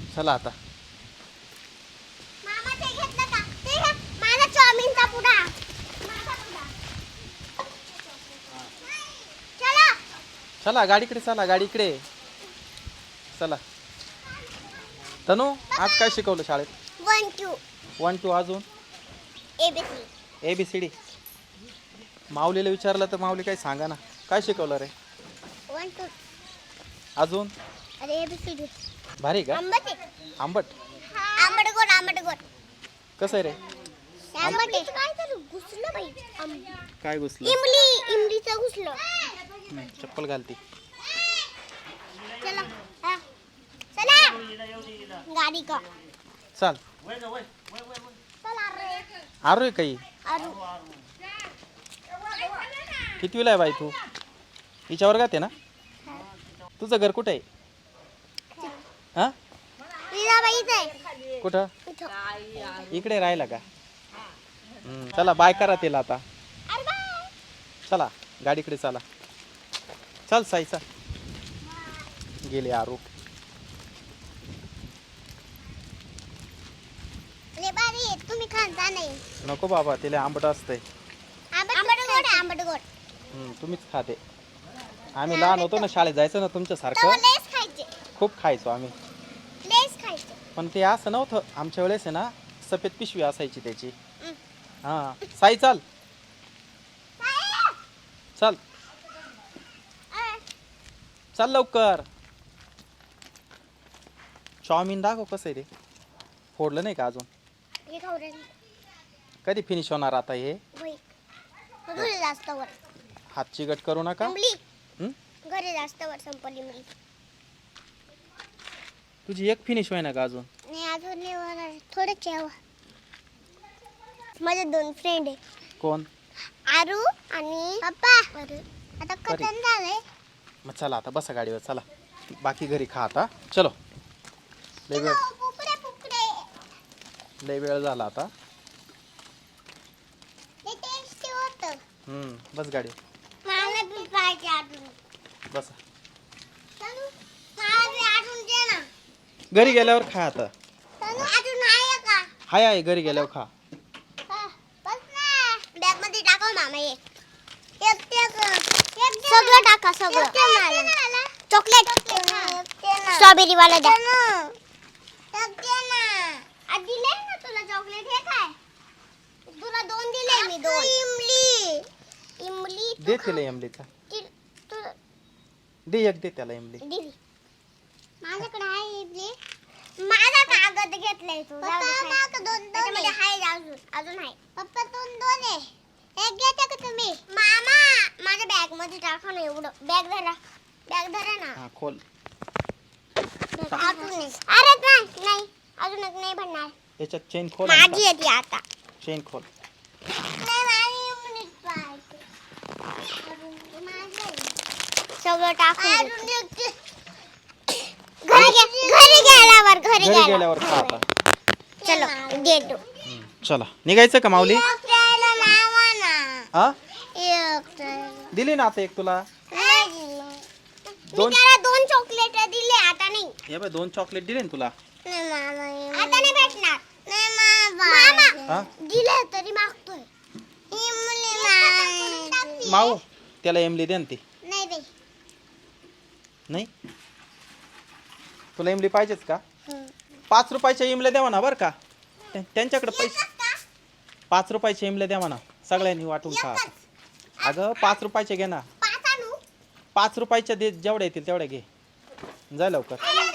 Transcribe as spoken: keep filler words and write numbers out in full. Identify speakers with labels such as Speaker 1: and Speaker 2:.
Speaker 1: चला आता.
Speaker 2: मामा ते घेतलं का? ते घे. माझा चाऊमिनचा पुडा. माझा पुडा. चला.
Speaker 1: चला गाडीकडे, चला गाडीकडे चला. तनू आज काय शिकवलं शाळेत?
Speaker 2: वन टू
Speaker 1: वन टू अजून
Speaker 2: ABC
Speaker 1: A B C D. माऊलीला विचारलं तर माऊली काय सांगा ना, काय शिकवलं रे?
Speaker 2: वन टू
Speaker 1: अजून
Speaker 2: अरे एबीसी
Speaker 1: भारी का?
Speaker 2: आंबट आहे.
Speaker 1: आंबट
Speaker 2: आंबट गोड आंबट गोड
Speaker 1: कसं आहे रे?
Speaker 2: आंबट आहे. काय तर घुसलं बाई.
Speaker 1: काय घुसलं?
Speaker 2: इमली इमलीचं घुसलं.
Speaker 1: हम्म, चप्पल घालती.
Speaker 2: चला हा. चला गाडी का
Speaker 1: चाल.
Speaker 2: चला रे.
Speaker 1: आरू काही
Speaker 2: अरू
Speaker 1: कितवीला आहे बाई तू? हिच्या वर्गात आहे ना? तुझं घर कुठं आहे? हा
Speaker 2: लीलाबाईच आहे.
Speaker 1: कुठं?
Speaker 2: इथं.
Speaker 1: इकडे राहिला का? हम्म, चला बाय करा तिला आता.
Speaker 2: अरे बाय.
Speaker 1: चला गाडीकडे चला. चल साई चल. गेले आरू.
Speaker 2: लय भारी आहे. तुम्ही खाता नाही.
Speaker 1: नको बाबा, तिला आंबट असतंय.
Speaker 2: आंबट गोड आहे, आंबट गोड.
Speaker 1: हम्म, तुम्हीच खाते. आम्ही लहान होतो ना, शाळेत जायचो ना
Speaker 2: तेव्हा
Speaker 1: तुमच्यासारखं,
Speaker 2: लेस खायचे.
Speaker 1: खूप खायचो आम्ही.
Speaker 2: लेस खायचे.
Speaker 1: पण ते असं नव्हतं आमच्या वेळेस आहे ना, सफेद पिशवी असायची त्याची. हा साई चाल चल चल लवकर. चाऊमिन दाखव कसं आहे रे. फोडलं नाही का अजून?
Speaker 2: हे खाऊ रे.
Speaker 1: कधी फिनिश होणार आता हे?
Speaker 2: होय. घरी जास्त वर.
Speaker 1: हात चिकट करू नका.
Speaker 2: संपली.
Speaker 1: हं?
Speaker 2: घरी जास्त वर संपली मी.
Speaker 1: तुझी एक फिनिश होईना का अजून?
Speaker 2: नाही अजून नाही होणार. थोडं ठेवा. माझे दोन फ्रेंड आहे.
Speaker 1: कोण?
Speaker 2: आरू आणि पप्पा. आता कटन झालंय.
Speaker 1: मग चला आता बसा गाडीवर चला. बाकी घरी खा आता. चलो. लय वेळ
Speaker 2: पुकडे पुकडे.
Speaker 1: लय वेळ झाला आता.
Speaker 2: ते टेस्टी होतं.
Speaker 1: हम्म, बस गाडी
Speaker 2: मला बी पाहिजे अजून.
Speaker 1: बसा.
Speaker 2: तनु मला बी अजून दे ना.
Speaker 1: घरी गेल्यावर खा आता.
Speaker 2: तनु अजून आहे का?
Speaker 1: हाय आहे घरी गेल्यावर खा.
Speaker 2: हा, बस ना. बॅग मध्ये टाका मामा हे. एक ते एक सगळं टाका सगळं. चॉकलेट स्ट्रॉबेरी वाला द्या. एक दे ना. आज दिले ना तुला चॉकलेट. हे काय? तुला दोन दिले मी दोन. इमली इमली
Speaker 1: दे तिला इमलीचा.
Speaker 2: तू
Speaker 1: दे एक दे त्याला इमली.
Speaker 2: दिली. माझ्याकडे आहे इमली. माझा कागद घेतलाय तू. दोन दोन आहे अजून अजून आहे. पप्पा दोन दोन आहे. एक घेता का तुम्ही? मामा माझ्या बॅग मध्ये टाका ना एवढं. बॅग धरा. बॅग धरा ना.
Speaker 1: हा खोल.
Speaker 2: अजून नाही. अरे नाही नाही अजून एक नाही भरणार.
Speaker 1: याच्यात चेन खोल.
Speaker 2: माझी आहे ती आता.
Speaker 1: चेन खोल.
Speaker 2: नाही माझी इमलीच पाहिजे. अजून माझी आहे. सगळं टाकून दे. घरी गे- घरी गेल्यावर घरी
Speaker 1: घरी गेल्यावर खा आता.
Speaker 2: चलो देतो.
Speaker 1: हम्म, चला निघायचं का माऊली?
Speaker 2: एक ट्रेला लावा ना.
Speaker 1: हा
Speaker 2: एक ट्रेला.
Speaker 1: दिली ना आता एक तुला.
Speaker 2: नाही दिलं. मी
Speaker 1: दोन
Speaker 2: त्याला दोन चॉकलेट दिले. आता नाही.
Speaker 1: हे बाय दोन चॉकलेट दिले ना तुला.
Speaker 2: नाही मामा आता नाही भेटणार. नाही मामा
Speaker 1: हा
Speaker 2: दिले तरी मागतोय. इमली
Speaker 1: माऊ त्याला इमली दे ना ती.
Speaker 2: नाही दे.
Speaker 1: नाही तुला इमली पाहिजेच का? पाच रुपयाच्या इमल्या द्यावा ना बरं का. त्या- त्यांच्याकडे पैसे पाच रुपयाच्या इमल्या द्यावा ना. सगळ्यांनी वाटून खा. अगं पाच रुपयाचे घे ना.
Speaker 2: पाच आणू.
Speaker 1: पाच रुपयाच्या दे जेवढ्या येतील तेवढ्या घे. जा लवकर.